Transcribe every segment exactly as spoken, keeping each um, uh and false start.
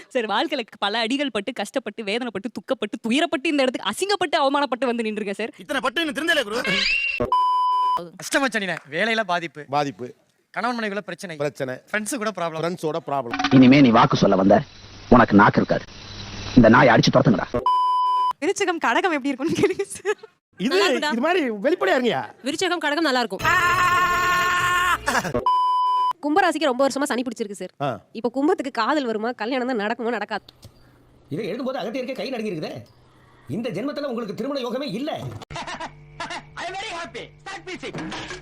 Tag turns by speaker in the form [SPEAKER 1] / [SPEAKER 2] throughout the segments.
[SPEAKER 1] Sir வாழ்க்கையில பல அடிகள் பட்டு கஷ்டப்பட்டு வேதனைப்பட்டு துக்கப்பட்டு துயரப்பட்டு இந்த இடத்துக்கு அசிங்கப்பட்டு அவமானப்பட்டு வந்து நின்றுங்க சார்.
[SPEAKER 2] இத்தனை பட்டு என்ன தெரிஞ்சல குரு.
[SPEAKER 3] கஷ்டமச்சனினே வேலையில பாதிப்பு
[SPEAKER 4] பாதிப்பு
[SPEAKER 3] கணவன் மனைவிக்குள்ள பிரச்சனை
[SPEAKER 4] பிரச்சனை
[SPEAKER 3] ஃப்ரெண்ட்ஸ் கூட ப்ராப்ளம்
[SPEAKER 4] ஃப்ரெண்ட்ஸோட ப்ராப்ளம்.
[SPEAKER 5] இனிமே நீ வாக்கு சொல்ல வந்த உனக்கு நாக்கு இருக்காது. இந்த நாயை அடிச்சு துரத்துங்கடா.
[SPEAKER 6] விருச்சிகம் கடகம் எப்படி இருக்கும்னு கேளுங்க சார்.
[SPEAKER 4] இது இது மாதிரி வெளிப்படையா இருங்கயா.
[SPEAKER 7] விருச்சிகம் கடகம் நல்லா இருக்கும். கும்பராசிக்கு ரொம்ப வருஷமா சனி பிடிச்சிருக்கு சார். இப்போ கும்பத்துக்கு காதல் வருமா கல்யாணம் தான் நடக்குமா நடக்காது.
[SPEAKER 8] இதை எழுதும்போது அகத்தியருக்கே கை நடுங்கி இருக்குதே. இந்த ஜென்மத்துல உங்களுக்கு திருமண யோகமே இல்ல.
[SPEAKER 2] I am very happy. Start பீச்சிங்.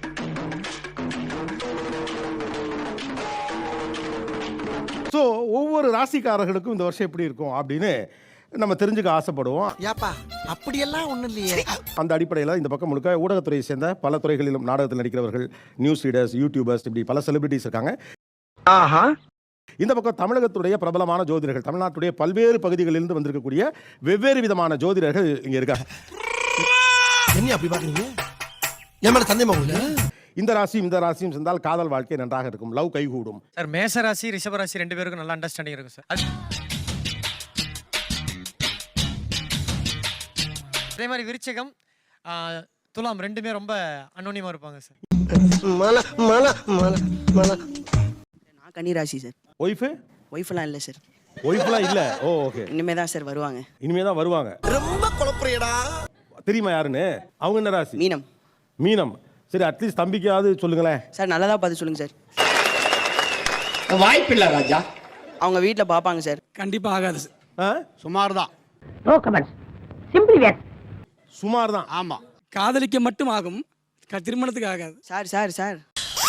[SPEAKER 4] ஸோ ஒவ்வொரு ராசிக்காரர்களுக்கும் இந்த வருஷம் எப்படி இருக்கும் அப்படின்னு நம்ம தெரிஞ்சுக்க ஆசைப்படுவோம்.
[SPEAKER 2] யாப்பா அப்படியெல்லாம் ஒன்றும் இல்லையே.
[SPEAKER 4] அந்த அடிப்படையில் இந்த பக்கம் முழுக்க ஊடகத்துறையை சேர்ந்த பல துறைகளிலும் நாடகத்தில் நடிக்கிறவர்கள், நியூஸ் ரீடர்ஸ், யூடியூபர்ஸ், இப்படி பல செலிபிரிட்டிஸ் இருக்காங்க. ஆஹா. இந்த பக்கம் தமிழகத்துடைய பிரபலமான ஜோதிடர்கள், தமிழ்நாட்டுடைய பல்வேறு பகுதிகளிலிருந்து வந்திருக்கக்கூடிய வெவ்வேறு விதமான ஜோதிடர்கள் இங்கே இருக்காங்க.
[SPEAKER 2] என்ன அப்படி பாக்குறீங்க? என் மேல சந்தேகமா இல்ல.
[SPEAKER 4] இந்த ராசியும் இந்த ராசியும் சேர்ந்தால் காதல் வாழ்க்கை நன்றாக இருக்கும், லவ் கைகூடும்.
[SPEAKER 3] சார் மேஷ ராசி ரிஷப ராசி ரெண்டு பேருக்கும் நல்ல அண்டர்ஸ்டாண்டிங் இருக்கும் சார். அதே மாதிரி விருச்சிகம் துலாம் ரெண்டுமே ரொம்ப அன்னோனியமா இருப்பாங்க சார்.
[SPEAKER 2] மல மல மல மல.
[SPEAKER 9] நான் கன்னி ராசி சார்.
[SPEAKER 4] ஒய்ஃப்
[SPEAKER 9] ஒய்ஃப்லாம் இல்லை சார்.
[SPEAKER 4] ஒய்ஃப்லாம் இல்ல. Oh okay.
[SPEAKER 9] இனிமே தான் சார் வருவாங்க.
[SPEAKER 4] இனிமே தான் வருவாங்க.
[SPEAKER 2] ரொம்ப குழப்பறியடா.
[SPEAKER 4] தெரியுமா யாருன்னு? அவங்க என்ன ராசி?
[SPEAKER 9] மீனம்.
[SPEAKER 4] மீனம். சரி, அட்லீஸ்ட் தம்பிக்காவது சொல்லுங்களேன்
[SPEAKER 9] சார். நல்லதா பார்த்து சொல்லுங்க சார்.
[SPEAKER 8] வாய்ப்பில்லை ராஜா.
[SPEAKER 9] அவங்க வீட்டில் பார்ப்பாங்க சார்.
[SPEAKER 6] கண்டிப்பா ஆகாது சார்.
[SPEAKER 2] சுமார் தான்.
[SPEAKER 5] No comments. Simply where.
[SPEAKER 4] சுமார் தான்.
[SPEAKER 2] ஆமா.
[SPEAKER 6] காதலிக்க மட்டும் ஆகும், திருமணத்துக்கு ஆகாது
[SPEAKER 9] சார். சார் சார்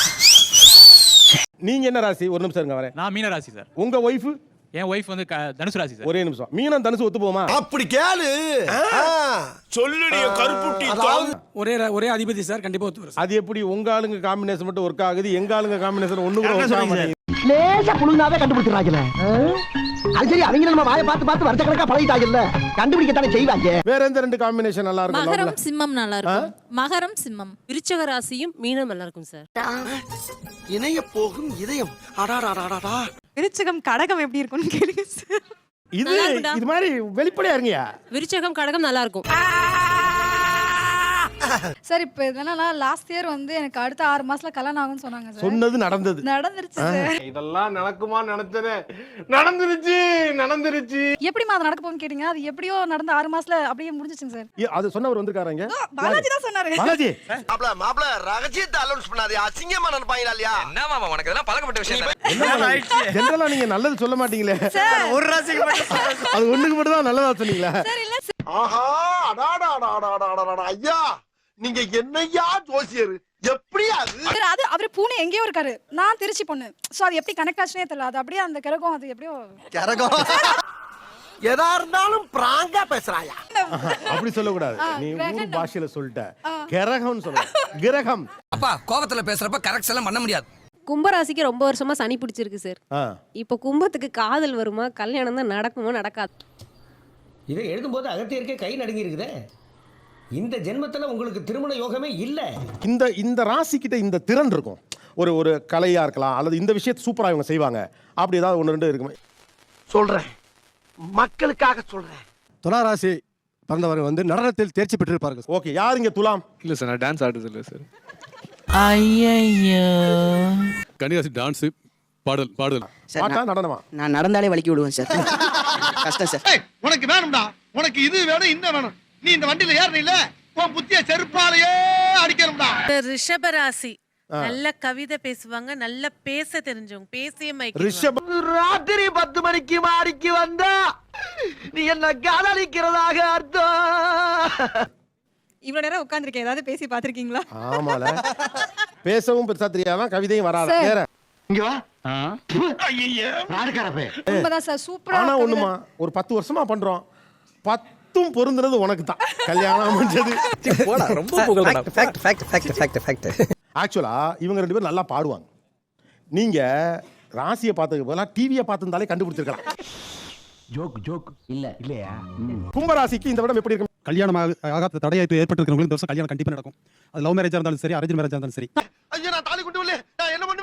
[SPEAKER 4] நீங்க என்ன ராசி? ஒரு நிமிஷம் இருங்க வரேன்.
[SPEAKER 10] நான் மீன ராசி சார்.
[SPEAKER 4] உங்க ஒய்ஃப்?
[SPEAKER 10] என் ஒய்ஃப் வந்து தனுசு ராசி சார்.
[SPEAKER 4] ஒரே நிமிஷம். மீனம் தனுசு ஒத்து போமா?
[SPEAKER 2] அப்படி கேளு. சொல்லுடிய கருப்புட்டி.
[SPEAKER 6] ஒரே ஒரே அதிபதி சார். கண்டிப்பா ஒத்து வரும்.
[SPEAKER 4] அது எப்படி உங்க ஆளுங்க காம்பினேஷன் மட்டும் ஒர்க் ஆகுது, எங்க ஆளுங்க காம்பினேஷன் ஒண்ணு கூட ஒர்க் ஆக மாட்டேங்குது?
[SPEAKER 8] லேசா புழுந்தாவே கண்டுபிடிச்சிடறாங்கல. அது சரி, அவங்க நம்ம வாயை பார்த்து பார்த்து வருஷ கணக்கா பழகிட்டாங்கல்ல, கண்டுபிடிக்கத்தானே செய்வாங்க.
[SPEAKER 4] வேற எந்த ரெண்டு காம்பினேஷன் நல்லா இருக்கும்?
[SPEAKER 7] மகரம் சிம்மம் நல்லா இருக்கும். மகரம் சிம்மம்.
[SPEAKER 1] விருச்சக ராசியும் மீனம் நல்லா இருக்கும் சார்.
[SPEAKER 2] இணைய போகும் இதயம். அடாடாடாடா.
[SPEAKER 6] விருச்சிகம் கடகம் எப்படி இருக்கும்னு கேளுங்க சார்.
[SPEAKER 4] இது இது மாதிரி வெளிப்படையா இருங்கயா.
[SPEAKER 7] விருச்சகம் கடகம் நல்லா இருக்கும்
[SPEAKER 11] சார். இப்போ என்னன்னா லாஸ்ட் இயர் வந்து எனக்கு அடுத்த ஆறு மாசத்துல கல்யாணம் ஆகும்னு சொன்னாங்க சார்.
[SPEAKER 4] சொன்னது நடந்தது.
[SPEAKER 11] நடந்துருச்சு சார்.
[SPEAKER 4] இதெல்லாம் நடக்குமா நினைச்சனே. நடந்துருச்சு நடந்துருச்சு.
[SPEAKER 11] எப்படிமா அது நடக்க போகும்னு கேட்டீங்க. அது எப்படியோ நடந்து ஆறு மாசத்துல அப்படியே முடிஞ்சிச்சுங்க சார்.
[SPEAKER 4] அது சொன்னவர் வந்திருக்காருங்க.
[SPEAKER 11] பாலாஜி தான் சொன்னாரு.
[SPEAKER 4] பாலாஜி
[SPEAKER 2] மாப்ள மாப்ள ரகசியத்தை அலௌன்ஸ் பண்ணாதே. அசிங்கமா நினைப்பாங்களா இல்லையா?
[SPEAKER 8] என்ன மாமா உனக்கு இதெல்லாம் பழக்கப்பட்ட விஷயம்.
[SPEAKER 4] ஜெனரலா நீங்க நல்லது சொல்ல மாட்டீங்களே.
[SPEAKER 3] ஒரு ராசிக்கு மட்டும்
[SPEAKER 4] அது ஒண்ணுக்கு மட்டும் தான் நல்லதா சொன்னீங்களா?
[SPEAKER 11] சார் இல்ல
[SPEAKER 2] ஆஹா அடாடாடாடாடாடாடா. ஐயா நீங்க என்னையா ஜோசியர்? எப்படியா அது?
[SPEAKER 11] அது அவர் பூனே எங்கேயோ இருக்காரு, நான் திருச்சி பொண்ணு. சோ அது எப்படி கனெக்ட் ஆச்சுனே தெரியல. அது அப்படியே அந்த கிரகம் அது எப்படியோ
[SPEAKER 2] கிரகம். எதா இருந்தாலும் பிராங்கா பேசுறாயா?
[SPEAKER 4] அப்படி சொல்ல கூடாது. நீ ஊர் பாஷையில சொல்லிட்ட. கிரகம்னு சொல்ற. கிரகம்.
[SPEAKER 8] அப்பா கோபத்துல பேசுறப்ப கரெக்ட் எல்லாம் பண்ண முடியாது.
[SPEAKER 7] கும்பராசிக்கு ரொம்ப வருஷமா சனி பிடிச்சிருக்கு சார். இப்போ கும்பத்துக்கு காதல் வருமா கல்யாணம் தான் நடக்குமா நடக்காது.
[SPEAKER 8] இதை எழுதும்போது அகத்தியருக்கே கை நடுங்கி இருக்குதே. இந்த ஜென்மத்துல உங்களுக்கு திருமண யோகமே இல்ல.
[SPEAKER 4] இந்த இந்த ராசி கிட்ட இந்த திறன் இருக்கும். ஒரு ஒரு கலையா இருக்கலாம், அல்லது இந்த விஷயத்தை சூப்பரா இவங்க செய்வாங்க. அப்படி ஏதாவது ஒன்று ரெண்டு இருக்குமே.
[SPEAKER 2] சொல்றேன், மக்களுக்காக சொல்றேன்.
[SPEAKER 12] துலா ராசி பிறந்தவர் வந்து நடனத்தில் தேர்ச்சி பெற்றிருப்பார்கள்.
[SPEAKER 4] ஓகே, யார் இங்க துலாம்?
[SPEAKER 10] இல்ல சார், நான் டான்ஸ் ஆடுறது இல்ல சார்.
[SPEAKER 9] ஐயையோ.
[SPEAKER 10] கன்னிராசி டான்ஸ் பாடல் பாடல்.
[SPEAKER 4] பாட்டா நடனமா?
[SPEAKER 9] நான் நடந்தாலே வலிக்கி விடுவேன் சார். கஷ்டம் சார்.
[SPEAKER 2] உனக்கு வேணும்டா, உனக்கு இது வேணும் இந்த வேணும். நீ இந்த வண்டியில ஏறணும் இல்ல, உன் புத்திய செருப்பாலையே அடிக்கணும்டா.
[SPEAKER 7] ரிஷப ராசி நல்ல கவிதை பேசுவாங்க, நல்ல பேச தெரிஞ்சவங்க, பேசிய
[SPEAKER 4] ரிஷப.
[SPEAKER 8] ராத்திரி பத்து மணிக்கு மாடிக்கு வந்தா நீ என்ன காதலிக்கிறதாக அர்த்தம்.
[SPEAKER 6] இவ்வளவு நேரம் உட்கார்ந்திருக்கேன், ஏதாவது பேசி பாத்திருக்கீங்களா?
[SPEAKER 4] ஆமால, பேசவும் பெருசா தெரியாதான், கவிதையும் வராது. வேற
[SPEAKER 8] இங்க வா. ஐயோ ராடுகாரப்பே.
[SPEAKER 11] உண்மைதான் சார். சூப்பரா.
[SPEAKER 4] ஆனா ஒண்ணுமா, ஒரு பத்து வருஷமா பண்றோம். பத்தும் பொருந்துறது உனக்கு தான். கல்யாணம் முடிஞ்சது.
[SPEAKER 8] ரொம்ப புகழ்டா. Fact fact fact fact fact.
[SPEAKER 4] ஆக்சுவலா இவங்க ரெண்டு பேரும் நல்லா பாடுவாங்க. நீங்க ராசியை பார்த்ததுக்கு பதிலா டிவியை பார்த்திருந்தாலே கண்டுபிடிச்சிருக்கலாம்.
[SPEAKER 8] ஜோக் ஜோக் இல்ல இல்லையா?
[SPEAKER 4] கும்பராசிக்கு இந்த விடம் எப்படி இருக்கும்?
[SPEAKER 12] கல்யாணம் ஆகாத தடையை ஏற்பட்டிருக்கிறவங்களுக்கு இந்த வருஷம் கல்யாணம் கண்டிப்பா நடக்கும். அது லவ் மேரேஜா இருந்தாலும் சரி, அரேஞ்ச் மேரேஜா இருந்தாலும் சரி.
[SPEAKER 2] ஐயா நான் தாலி கொண்டு வரல, நான் என்ன பண்ணுவேன்?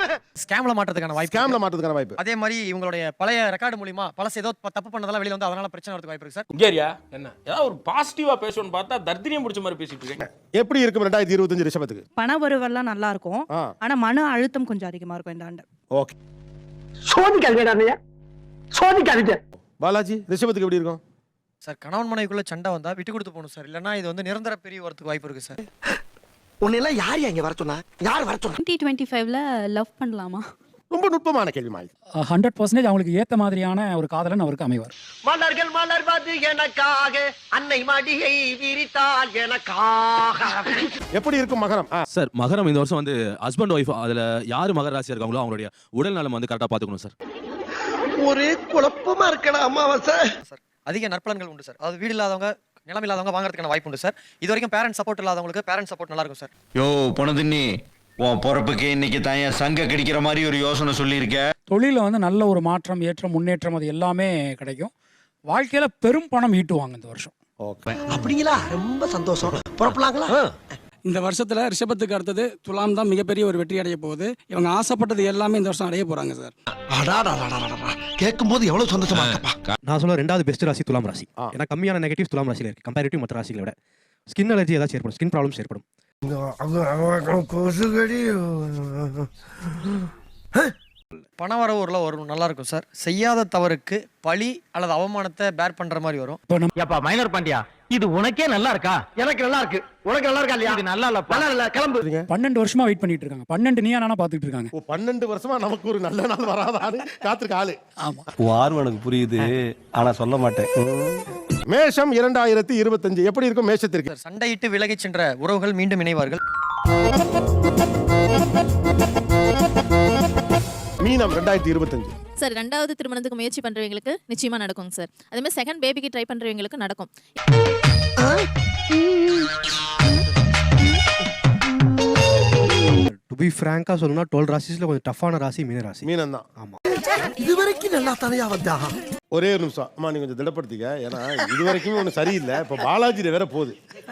[SPEAKER 3] ஸ்கேம்ல மாட்டுறதுக்கான வாய்ப்பு
[SPEAKER 4] ஸ்கேம்ல மாட்டுறதுக்கான வாய்ப்பு.
[SPEAKER 3] அதே மாதிரி இவங்களுடைய பழைய ரெக்கார்டு மூலியமா பழசு ஏதோ தப்பு பண்ணதெல்லாம் வெளியில வந்து அதனால பிரச்சனை வரதுக்கு வாய்ப்பு இருக்கு சார்.
[SPEAKER 13] இங்கேரியா என்ன ஏதாவது ஒரு பாசிட்டிவா பேசணும்னு பார்த்தா தர்தினியம் பிடிச்ச மாதிரி பேசிட்டு இருக்கீங்க.
[SPEAKER 4] எப்படி இருக்கும் ரெண்டாயிரத்தி இருபத்தஞ்சு ரிஷபத்துக்கு?
[SPEAKER 6] பண வரவெல்லாம் நல்லா இருக்கும், ஆனா மன அழுத்தம் கொஞ்சம் அதிகமா இருக்கும் இந்த ஆண்டு.
[SPEAKER 4] ஓகே,
[SPEAKER 8] சோதிக்காதீங்க சோதிக்காதீங்க.
[SPEAKER 4] பாலாஜி ரிஷபத்துக்கு எப்படி இருக்கும்?
[SPEAKER 3] சார் கணவன் மனைவிக்குள்ள சண்டை வந்தா விட்டு கொடுத்து போகணும் சார், இல்லைன்னா இது வந்து நிரந்தர பிரிவு வரதுக்கு வாய்ப்பு இருக்கு சார்.
[SPEAKER 8] உன்னெல்லாம் யார் இங்க வர சொன்னா? யார் வர சொன்னா?
[SPEAKER 7] டுவெண்ட்டி டுவெண்ட்டி ஃபைவ்ல லவ் பண்ணலாமா?
[SPEAKER 4] ரொம்ப நுட்பமான கேள்வி மாதிரி.
[SPEAKER 6] ஹண்ட்ரட் பர்சன்டேஜ் அவங்களுக்கு ஏத்த மாதிரியான ஒரு காதலன் அவருக்கு அமைவார்.
[SPEAKER 8] மலர்கள் மலர்வது எனக்காக, அன்னை மடியை விரித்தாள் எனக்காக.
[SPEAKER 4] எப்படி இருக்கும் மகரம்?
[SPEAKER 10] சார் மகரம் இந்த வருஷம் வந்து ஹஸ்பண்ட் ஒய்ஃப் அதுல யாரு மகர ராசியா இருக்காங்களோ அவங்களுடைய உடல் நலம் வந்து கரெக்டா பாத்துக்கணும் சார்.
[SPEAKER 8] ஒரே குழப்பமா இருக்கடா அமாவாசை.
[SPEAKER 3] சார் அதிக நற்பலன்கள் உண்டு சார். அது வீடு இல்லாதவங்க நிலம் இல்லாதவங்க வாங்குறதுக்கான வாய்ப்பு உண்டு சார். இது வரைக்கும் பேரண்ட் சப்போர்ட் இல்லாதவங்களுக்கு பேரண்ட் சப்போர்ட் நல்லா இருக்கும் சார்.
[SPEAKER 13] யோ பொணதின்னி உன் பொறப்புக்கு இன்னைக்கு தான் சங்க கிடைக்கிற மாதிரி ஒரு யோசனை சொல்லியிருக்க.
[SPEAKER 6] தொழில வந்து நல்ல ஒரு மாற்றம், ஏற்றம், முன்னேற்றம் அது எல்லாமே கிடைக்கும். வாழ்க்கையில பெரும் பணம் ஈட்டுவாங்க இந்த வருஷம்.
[SPEAKER 4] ஓகே,
[SPEAKER 8] அப்படிங்களா? ரொம்ப சந்தோஷம். புறப்படலாங்களா?
[SPEAKER 6] இந்த வருஷத்துல ரிஷபத்துக்கு அடுத்தது துலாம் தான் மிகப்பெரிய ஒரு வெற்றி அடைய போகுது. இவங்க ஆசைப்பட்டது எல்லாமே இந்த வருஷம் அடைய போறாங்க சார்.
[SPEAKER 8] கேட்கும் போது எவ்வளவு சந்தோஷமா இருக்கப்பா.
[SPEAKER 12] நான் சொல்ல ரெண்டாவது பெஸ்ட் ராசி துலாம் ராசி. ஏன்னா கம்மியான நெகட்டிவ் துலாம் ராசியில இருக்கு கம்பேரிட்டிவ் மற்ற ராசிகளை விட. ஸ்கின் அலர்ஜி ஏதாச்சும் ஏற்படும், ஸ்கின் ப்ராப்ளம்ஸ் ஏற்படும்.
[SPEAKER 3] பண வரவு ஊர்ல வரும் நல்லா இருக்கும் சார். செய்யாத தவறுக்கு பழி அல்லது அவமானத்தை பேர் பண்ற மாதிரி வரும்.
[SPEAKER 8] ஏப்பா மைனர் பாண்டியா, இது உனக்கே நல்லா இருக்கா? எனக்கு நல்லா இருக்கு. உனக்கு நல்லா இருக்கா இல்லையா? இது நல்லா இல்ல, நல்லா இல்ல, கிளம்பு.
[SPEAKER 6] பன்னெண்டு வருஷமா வெயிட் பண்ணிட்டு இருக்காங்க. பன்னெண்டு நீயா நானா பாத்துட்டு இருக்காங்க.
[SPEAKER 4] ஓ, பன்னெண்டு வருஷமா நமக்கு ஒரு நல்ல நாள் வராதான்னு காத்திருக்க ஆளு.
[SPEAKER 6] ஆமா,
[SPEAKER 12] ஆர்வம் எனக்கு புரியுது, ஆனா சொல்ல மாட்டேன்.
[SPEAKER 4] மேஷம் இரண்டாயிரத்தி இருபத்தஞ்சு எப்படி இருக்கும் மேஷத்திற்கு?
[SPEAKER 3] சார் சண்டையிட்டு விலகிச் சென்ற உறவுகள் மீண்டும் இணைவார்கள்.
[SPEAKER 4] மீனம் ரெண்டாயிரத்தி இருபத்தஞ்சு.
[SPEAKER 7] சார் ரெண்டாவது திருமணத்துக்கு முயற்சி பண்றவங்களுக்கு நிச்சயமா நடக்கும் சார். அதே மாதிரி செகண்ட் பேபிக்கு ட்ரை பண்றவங்களுக்கு நடக்கும்.
[SPEAKER 12] டு பி ஃப்ராங்கா சொல்லணும்னா டுவெல் ராசிஸ்ல கொஞ்சம் டஃப்பான ராசி மீன ராசி.
[SPEAKER 4] மீனம் தான்.
[SPEAKER 12] ஆமா,
[SPEAKER 8] இதுவரைக்கும் நல்லா தனியா வந்தா.
[SPEAKER 4] ஒரே ஒரு நிமிஷம் அம்மா, நீங்க கொஞ்சம் திடப்படுத்திக்க. ஏன்னா இது வரைக்கும் ஒண்ணு சரியில்லை. இப்ப பாலாஜி வேற போகுது.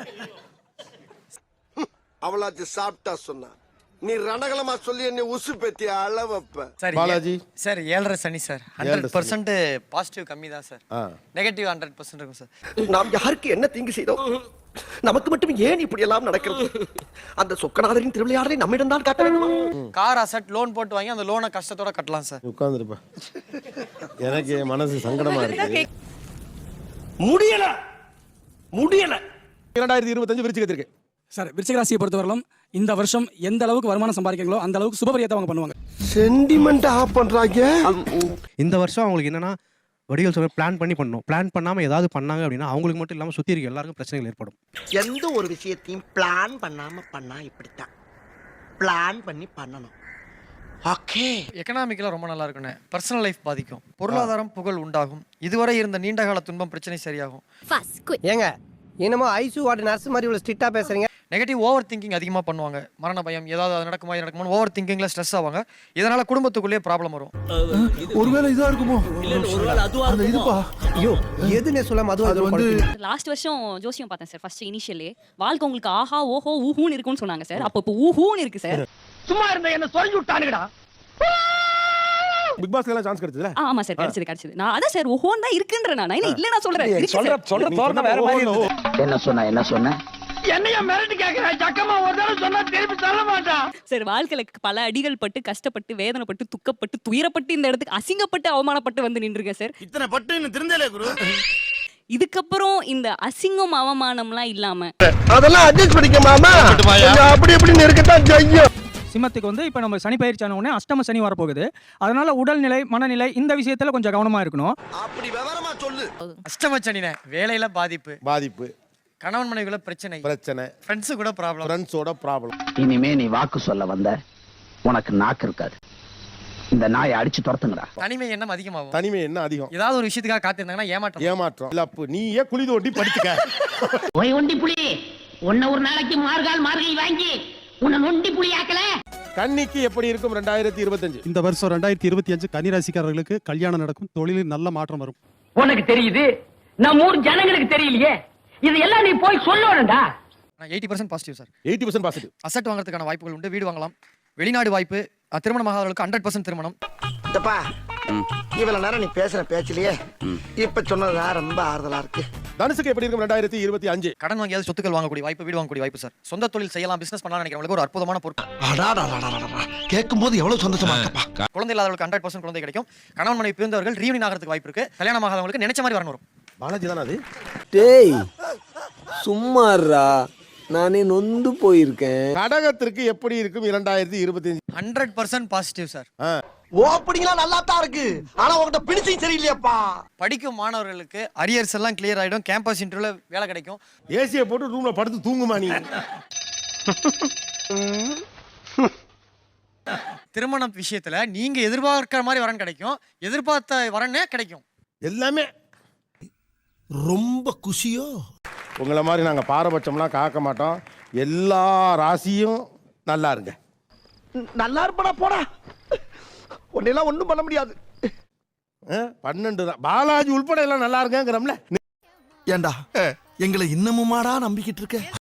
[SPEAKER 8] அவளாச்சு சாப்பிட்டா சொன்னா நீ ரணகலமா சொல்லி என்ன உசு பெத்தி அளவப்ப.
[SPEAKER 3] சார்
[SPEAKER 4] பாலாஜி
[SPEAKER 3] சார் ஏழரை சனி சார். ஹண்ட்ரட் பர்சன்ட் பாசிட்டிவ் கம்மி தான் சார். நெகட்டிவ் ஹண்ட்ரட் பர்சன்ட் இருக்கும் சார்.
[SPEAKER 8] நாம் யாருக்கு என்ன தீங்கு செய்தோம்? நமக்கு மட்டும் ஏன் இப்படி எல்லாம் நடக்கிறது? அந்த சொக்கநாதரின் திருவிளையாடலை நம்மிடம் தான் காட்ட வேண்டுமா?
[SPEAKER 3] கார் அசட் லோன் போட்டு வாங்கி அந்த லோனை கஷ்டத்தோட கட்டலாம் சார்.
[SPEAKER 4] உட்கார்ந்துருப்பா, எனக்கு மனசு சங்கடமா இருக்கு.
[SPEAKER 8] முடியல முடியல.
[SPEAKER 4] இரண்டாயிரத்தி இருபத்தஞ்சு விருச்சிகத்திற்கு
[SPEAKER 6] சார் விருச்சிக ராசியை பொறுத்தவரையிலும் இந்த வருஷம் எந்த அளவுக்கு வருமானம் சம்பாதிக்கிறீங்களோ அந்த அளவுக்கு சுபபரியத்தை அவங்க பண்ணுவாங்க.
[SPEAKER 8] சென்டிமெண்ட் ஆஃப் பண்றாங்க.
[SPEAKER 12] இந்த வருஷம் அவங்களுக்கு என்னன்னா வடிகள் சொல்ல பிளான் பண்ணி பண்ணணும். பிளான் பண்ணாம ஏதாவது பண்ணாங்க அப்படின்னா அவங்களுக்கு மட்டும் இல்லாம சுத்தி இருக்க எல்லாருக்கும் பிரச்சனைகள் ஏற்படும்.
[SPEAKER 8] எந்த ஒரு விஷயத்தையும் பிளான் பண்ணாம பண்ணா இப்படித்தான். பிளான் பண்ணி பண்ணணும். ஓகே.
[SPEAKER 3] எக்கனாமிக்கலா ரொம்ப நல்லா இருக்குண்ணே. பர்சனல் லைஃப் பாதிக்கும், பொருளாதாரம் புகழ் உண்டாகும், இதுவரை இருந்த நீண்டகால துன்பம் பிரச்சனை சரியாகும்.
[SPEAKER 8] ஏங்க என்னமோ ஐசு வார்டு நர்ஸ் மாதிரி இவ்வளவு ஸ்ட்ரிக்ட்டா பேசுறீங்க.
[SPEAKER 3] நெகட்டிவ் ஓவர் திங்கிங் அதிகமா பண்ணுவாங்க. மரண பயம், ஏதாவது அது நடக்குமா இது நடக்குமா ஓவர் திங்கிங்ல ஸ்ட்ரெஸ் ஆவாங்க. இதனால குடும்பத்துக்குள்ளேயே ப்ராப்ளம் வரும்.
[SPEAKER 8] ஒருவேளை இதா இருக்குமோ? இல்ல ஒருவேளை அதுவா இருக்குமோ? இதுப்பா ஐயோ எதுனே சொல்லாம அதுவா அது வந்து
[SPEAKER 1] லாஸ்ட் வருஷம் ஜோசியம் பார்த்தேன் சார். ஃபர்ஸ்ட் இனிஷியலே வாழ்க்கை உங்களுக்கு ஆஹா ஓஹோ ஊஹூன்னு இருக்கும்னு சொன்னாங்க சார். அப்போ இப்போ ஊஹூன்னு இருக்கு சார்.
[SPEAKER 8] சும்மா இருந்த என்ன சொல்லி விட்டானுடா.
[SPEAKER 4] பிக் பாஸ்ல எல்லாம் சான்ஸ் கிடைச்சதுல?
[SPEAKER 1] ஆமா சார், கிடைச்சது கிடைச்சது. நான் அதான் சார் ஓஹோன்னு தான் இருக்குன்ற நான் என்ன இல்ல நான் சொல்றேன்.
[SPEAKER 8] சொல்ற சொல்ற தோரணை வேற மாதிரி இருக்கு.
[SPEAKER 5] என்ன சொன்ன என்ன சொன்ன
[SPEAKER 8] என்னைய மிரட்டி கேக்குற சக்கமா ஒரு தடவை சொன்னா திருப்பி சொல்ல மாட்டான்.
[SPEAKER 1] சார் வாழ்க்கையில பல அடிகள் பட்டு கஷ்டப்பட்டு வேதனைப்பட்டு துக்கப்பட்டு துயரப்பட்டு இந்த இடத்துக்கு அசிங்கப்பட்டு அவமானப்பட்டு வந்து நின்றுருக்கேன் சார்.
[SPEAKER 2] இத்தனை பட்டு இன்னும் திருந்தலே குரு.
[SPEAKER 1] இதுக்கப்புறம் இந்த அசிங்கம் அவமானம்லாம் இல்லாம
[SPEAKER 8] அதெல்லாம் அட்ஜஸ்ட் பண்ணிக்க மாமா. அப்படி இப்படி நெருக்கத்தான் செய்யும்.
[SPEAKER 6] சிம்மத்துக்கு வந்து இப்போ நம்ம சனி பயிற்சியான உடனே அஷ்டம சனி வரப்போகுது. அதனால உடல்நிலை மனநிலை இந்த விஷயத்துல கொஞ்சம் கவனமா இருக்கணும்.
[SPEAKER 8] அப்படி விவரமா சொல்லு.
[SPEAKER 3] அஷ்டம சனினே வேலையில பாதிப்பு
[SPEAKER 4] பாதிப்பு,
[SPEAKER 3] கணவன் மனைவிக்குள்ள பிரச்சனை
[SPEAKER 4] பிரச்சனை,
[SPEAKER 3] ஃப்ரெண்ட்ஸ் கூட ப்ராப்ளம்,
[SPEAKER 4] ஃப்ரெண்ட்ஸோட ப்ராப்ளம்.
[SPEAKER 5] இனிமே நீ வாக்கு சொல்ல வந்த உனக்கு நாக்கு இருக்காது. இந்த நாயை அடிச்சு துரத்துங்கடா.
[SPEAKER 3] தனிமை எண்ணம் அதிகமாகும்.
[SPEAKER 4] தனிமை என்ன அதிகம்?
[SPEAKER 3] ஏதாவது ஒரு விஷயத்துக்காக காத்திருந்தாங்கன்னா ஏமாற்றம்
[SPEAKER 4] ஏமாற்றம். இல்ல அப்ப நீயே குழி தோண்டி படுத்துக்க.
[SPEAKER 8] ஓய் ஒண்டி புலி உன்ன ஒரு நாளைக்கு மார்கால் மார்கை வாங்கி உன்னை நொண்டி புலி ஆக்கல.
[SPEAKER 4] கன்னிக்கு எப்படி இருக்கும் ரெண்டாயிரத்தி இருபத்தஞ்சு?
[SPEAKER 12] இந்த வருஷம் ரெண்டாயிரத்தி இருபத்தி அஞ்சு கன்னி ராசிக்காரர்களுக்கு கல்யாணம் நடக்கும், தொழிலில் நல்ல மாற்றம் வரும்.
[SPEAKER 8] உனக்கு தெரியுது, நம்ம ஊர் ஜனங்களுக்கு தெரியலையே. இதெல்லாம் நீ போய் சொல்லணும்டா.
[SPEAKER 3] Eighty percent positive sir.
[SPEAKER 4] Eighty percent positive.
[SPEAKER 3] Asset வாங்குறதுக்கான வாய்ப்புகள் உண்டு. வீடு வாங்கலாம். வெளிநாடு வாய்ப்பு, திருமணமாகாதவர்களுக்கு ஹண்ட்ரட் பர்சன்ட் திருமணம்.
[SPEAKER 8] இதப்பா இவ்வளவு நேரம் நீ பேசுற பேச்சிலேயே இப்ப சொன்னதா ரொம்ப ஆறுதலா இருக்கு.
[SPEAKER 4] தனுசுக்கு எப்படி இருக்கும் ரெண்டாயிரத்தி இருபத்தி அஞ்சு?
[SPEAKER 3] கடன் வாங்கியாவது சொத்துக்கள் வாங்கக்கூடிய வாய்ப்பு, வீடு வாங்கக்கூடிய வாய்ப்பு சார். சொந்த தொழில் செய்யலாம், பிசினஸ் பண்ணலாம் நினைக்கிறவங்களுக்கு ஒரு அற்புதமான பொறுப்பு.
[SPEAKER 8] கேட்கும் போது எவ்வளவு சந்தோஷமா இருக்கப்பா.
[SPEAKER 3] குழந்தை இல்லாதவர்களுக்கு ஹண்ட்ரட் பர்சன்ட் குழந்தை கிடைக்கும். கணவன் மனைவி பிரிந்தவர்கள் ரீயூனியன் ஆகிறதுக்கு வாய்ப்பு இருக்கு. கல்யாணம் ஆகாதவங்களுக்கு நினைச்ச மாதிரி வரணும் வரும்.
[SPEAKER 4] பாலாஜி தானே அது?
[SPEAKER 14] டேய் சும்மாறா, நானே நொந்து போயிருக்கேன்.
[SPEAKER 4] கடகத்திற்கு எப்படி இருக்கும் இரண்டாயிரத்தி இருபத்தி அஞ்சு?
[SPEAKER 3] Hundred percent positive sir.
[SPEAKER 8] ஓப்பனிங்லாம் நல்லா தான் இருக்கு, ஆனா உங்ககிட்ட பினிஷிங் சரியில்லையாப்பா.
[SPEAKER 3] படிக்கும் மாணவர்களுக்கு அரியர்ஸ் எல்லாம் கிளியர் ஆயிடும். கேம்பஸ் இன்டர்வியூல வேலை கிடைக்கும்.
[SPEAKER 4] ஏசியை போட்டு ரூம்ல படுத்து தூங்குமா நீ?
[SPEAKER 3] திருமண விஷயத்துல நீங்க எதிர்பார்க்கிற மாதிரி வரன் கிடைக்கும், எதிர்பார்த்த வரனே கிடைக்கும்.
[SPEAKER 4] எல்லாமே
[SPEAKER 8] ரொம்ப குஷியோ.
[SPEAKER 4] உங்களை மாதிரி நாங்க பாரபட்சம்லாம் காக்க மாட்டோம். எல்லா ராசியும் நல்லா இருங்க.
[SPEAKER 8] நல்லா இருப்படா போடா, உன்னெல்லாம் ஒண்ணும் பண்ண முடியாது.
[SPEAKER 4] பன்னெண்டு தான் பாலாஜி உள்பட எல்லாம் நல்லா இருங்கிறோம்ல.
[SPEAKER 8] ஏண்டா எங்களை இன்னமுமாடா நம்பிக்கிட்டு இருக்க?